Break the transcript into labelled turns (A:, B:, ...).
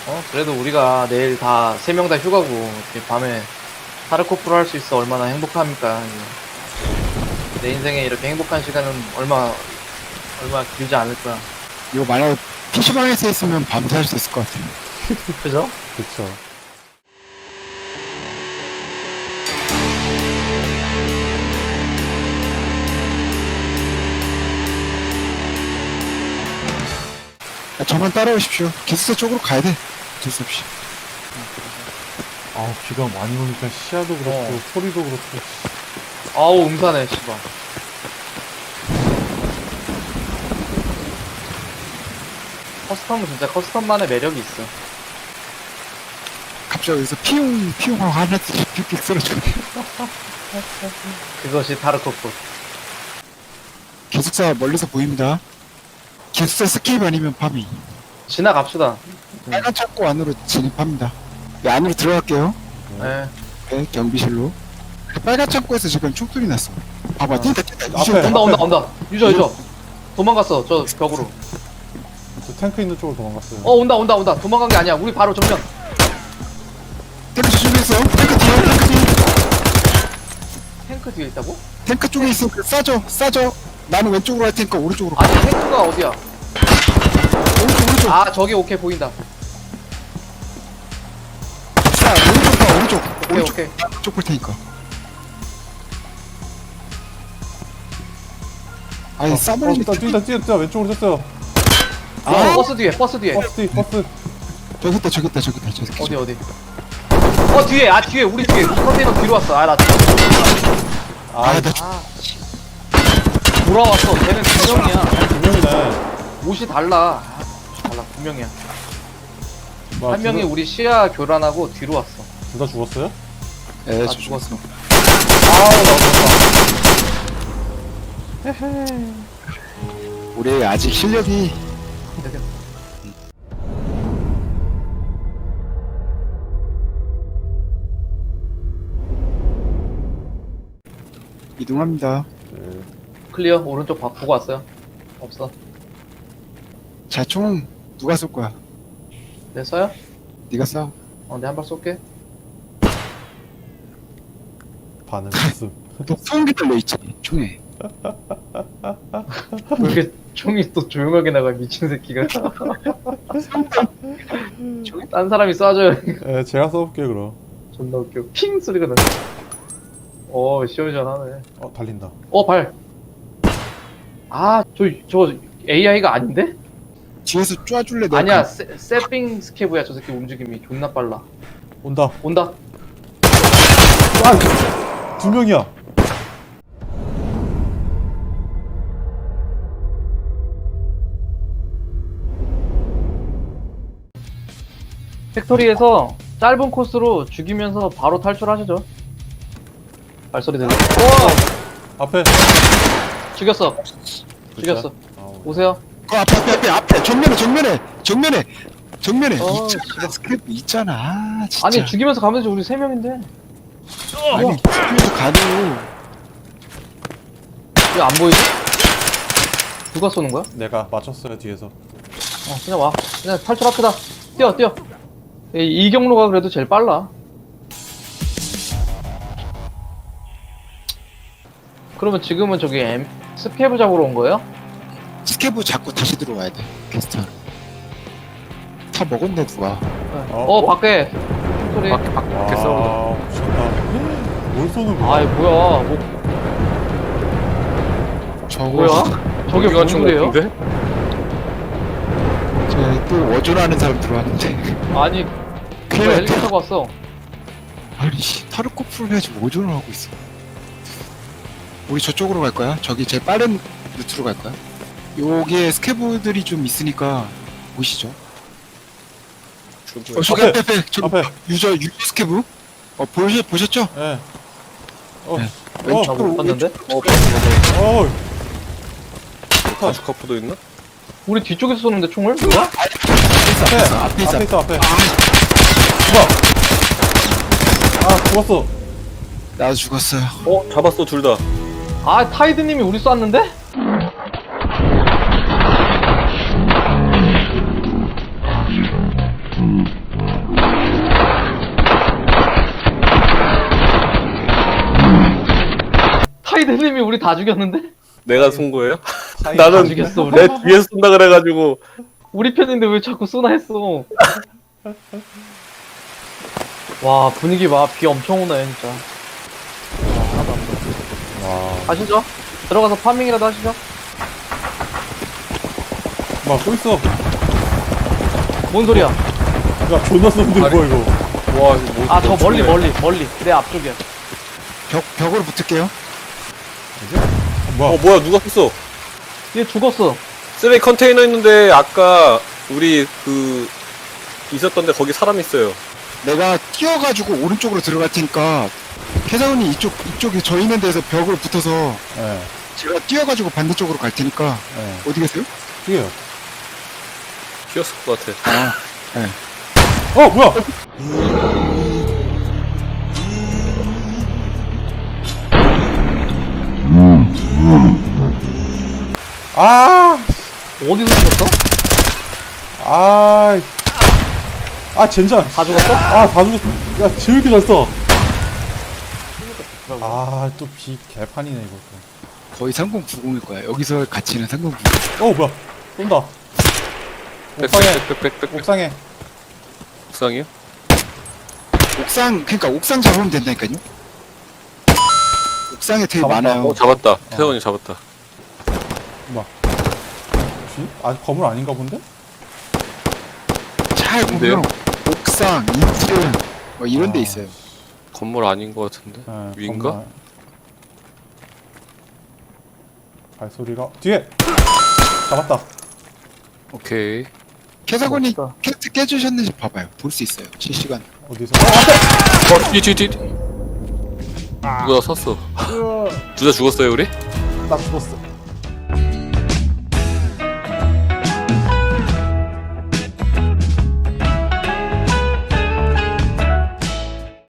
A: 그래도 우리가 내일 다, 3명 다 휴가고, 이렇게 밤에 타르코프를 할 수 있어 얼마나 행복합니까. 이게. 내 인생에 이렇게 행복한 시간은 얼마 길지 않을 거야.
B: 이거 만약 PC방에서 했으면 밤새 할 수 있을 것 같아요.
A: 그죠?
C: 그쵸.
B: 저만 따라오십시오. 기숙사 쪽으로 가야 돼. 어쩔 수 없이.
C: 아, 비가 많이 오니까 시야도 그렇고, 소리도 그렇고.
A: 아우, 음산해, 씨발. 커스텀은 진짜 커스텀만의 매력이 있어.
B: 갑자기 여기서 피용하고 하나씩 픽픽 쓰러져.
A: 그것이 타르코프.
B: 기숙사 멀리서 보입니다. 기숙사 스케이프 아니면 밤이.
A: 지나갑시다.
B: 빨간 창고 안으로 진입합니다. 네, 안으로 들어갈게요.
A: 네.
B: 네, 경비실로. 빨간 창고에서 지금 총소리 났어. 봐봐, 뛴다.
C: 앞에.
A: 온다. 유저. 도망갔어, 저 벽으로.
C: 저 탱크 있는 쪽으로 도망갔어요.
A: 온다. 도망간 게 아니야. 우리 바로 정면.
B: 탱크 조심해서. 탱크 뒤에.
A: 탱크 뒤에 있다고?
B: 탱크 쪽에 있으니까 싸줘. 나는 왼쪽으로 할 테니까 오른쪽으로 가.
A: 아니, 탱크가 어디야?
B: 오른쪽.
A: 아, 저기 오케이, 보인다.
B: 자, 오른쪽.
A: 오케이.
B: 왼쪽 볼 테니까. 아니, 싸버리니.
C: 뛴다. 왼쪽으로 뛰었어요.
A: 아, 버스 뒤에.
C: 버스.
B: 저기 있다.
A: 어디? 뒤에, 우리 컨테이너 뒤로 왔어. 나 돌아왔어. 쟤는 2명이야.
C: 두 명이네.
A: 옷이 달라. 2명이야. 한 명이 우리 시야 교란하고 뒤로 왔어.
C: 둘 다 죽었어요?
B: 네,
A: 나 죽었어.
C: 나 죽었어.
B: 우리 아직 실력이 이동합니다.
A: 클리어. 오른쪽 보고 왔어요. 없어.
B: 자, 총 누가 쏠 거야?
A: 내 써요?
B: 네가 쏴.
A: 내 한 발 쏠게.
C: 반응 모습.
B: 너 소음기 달려있지, 총에.
A: 왜 이렇게 총이 또 조용하게 나가, 미친 새끼가. 딴 사람이 쏴줘요.
C: 네, 제가 써볼게요, 그럼.
A: 존나 웃겨. 핑 소리가 나네. 시원시원하네.
C: 달린다.
A: 발. 저 AI가 아닌데?
B: 뒤에서 쪼아줄래? 내가
A: 아니야, 세핑 스케브야. 저 새끼 움직임이 존나 빨라.
C: 온다.
A: 두
C: 명이야.
A: 팩토리에서 짧은 코스로 죽이면서 바로 탈출하시죠. 발소리 들려.
C: 앞에.
A: 죽였어. 오세요.
B: 그 앞에. 정면에. 있잖아.
A: 씨발.
B: 스크래프 있잖아. 아, 진짜.
A: 아니, 죽이면서 가면 되지. 우리 3명인데.
B: 아니, 죽이면서 가도.
A: 왜 안 보이지? 누가 쏘는 거야?
C: 내가 맞췄어요, 뒤에서.
A: 그냥 와. 그냥 탈출합시다. 뛰어. 이 경로가 그래도 제일 빨라. 그러면 지금은 저기 스케브 잡으러 온 거예요?
B: 스케브 잡고 다시 들어와야 돼. 캐스터. 다 먹었네, 누가.
A: 밖에. 소리.
C: 와, 미쳤다. 뭘 쏘는 거야?
A: 아이, 뭐야. 뭐야? 저게 뭔 소리예요?
B: 또 어존하는 사람 들어왔는데.
A: 아니,
B: 큰일
A: 누가
B: 났다.
A: 헬기 타고 왔어.
B: 아니, 타르코프를 해야지 뭐 어존을 하고 있어. 우리 저쪽으로 갈 거야? 저기 제일 빠른 루트로 갈 거야? 여기에 스케브들이 좀 있으니까 보시죠. 저기 앞에.
C: 앞에.
B: 유저 스케브? 보셨죠?
C: 네.
B: 네.
A: 못 봤는데?
D: 바주카프도 있나?
A: 우리 뒤쪽에서 쏘는데 총을? 뭐야?
B: 앞에 있어.
C: 앞에. 죽었어.
B: 나도 죽었어요.
D: 잡았어, 둘 다.
A: 타이드님이 우리 쐈는데? 우리 다 죽였는데?
D: 내가 쏜 거예요?
A: 다
D: 나는
A: 죽였어 우리.
D: 내 뒤에서 쏜다 그래가지고.
A: 우리 편인데 왜 자꾸 쏘나 했어. 와 분위기 봐. 비 엄청 오네 진짜. 하나도 안 보여.
C: 와.
A: 가시죠. 들어가서 파밍이라도 하시죠.
C: 막, 또 있어.
A: 뭔 소리야?
C: 야, 존나 쏜데, 뭐야, 이거.
D: 와, 이거 뭐.
A: 아 저 멀리 내 앞쪽이야.
B: 벽으로 붙을게요.
C: 뭐야?
D: 뭐야, 누가 쐈어?
A: 얘 죽었어.
D: 쓰레기 컨테이너 있는데, 아까, 우리, 있었던 데 거기 사람 있어요.
B: 내가 뛰어가지고 오른쪽으로 들어갈 테니까 캐사원이 이쪽에 저 있는 데서 벽으로 붙어서
C: 예,
B: 제가 뛰어가지고 반대쪽으로 갈 테니까
C: 예.
B: 어디 계세요?
C: 뛰어요.
D: 튀었을 것 같아.
B: 아,
C: 뭐야? 아,
A: 어디서 죽었어?
C: 젠장.
A: 다 죽었어?
C: 다 죽었어. 야, 지울게 졌어. 또 비 개판이네, 이거.
B: 거의 3090일 거야. 여기서 가치는 3090.
C: 뭐야? 쏜다. 옥상에,
D: 빽빽빽빽.
C: 옥상에.
D: 옥상이요?
B: 그러니까 옥상 잡으면 된다니까요. 옥상에 되게
C: 잡았다.
B: 많아요.
D: 잡았다. 태원이 잡았다.
C: 혹시? 건물 아닌가 본데?
B: 잘 보면 옥상, 인트 뭐 이런 데 있어요.
D: 건물 아닌 것 같은데?
C: 예,
D: 위인가?
C: 건물. 발소리가. 뒤에! 잡았다.
D: 오케이.
B: 캐사건이
A: 멋있다.
B: 캐스트 깨주셨는지 봐봐요. 볼 수 있어요. 실시간.
C: 어디서? 앞에!
D: 뒤. 누가 쐈어? 둘 다 죽었어요, 우리?
C: 나 죽었어.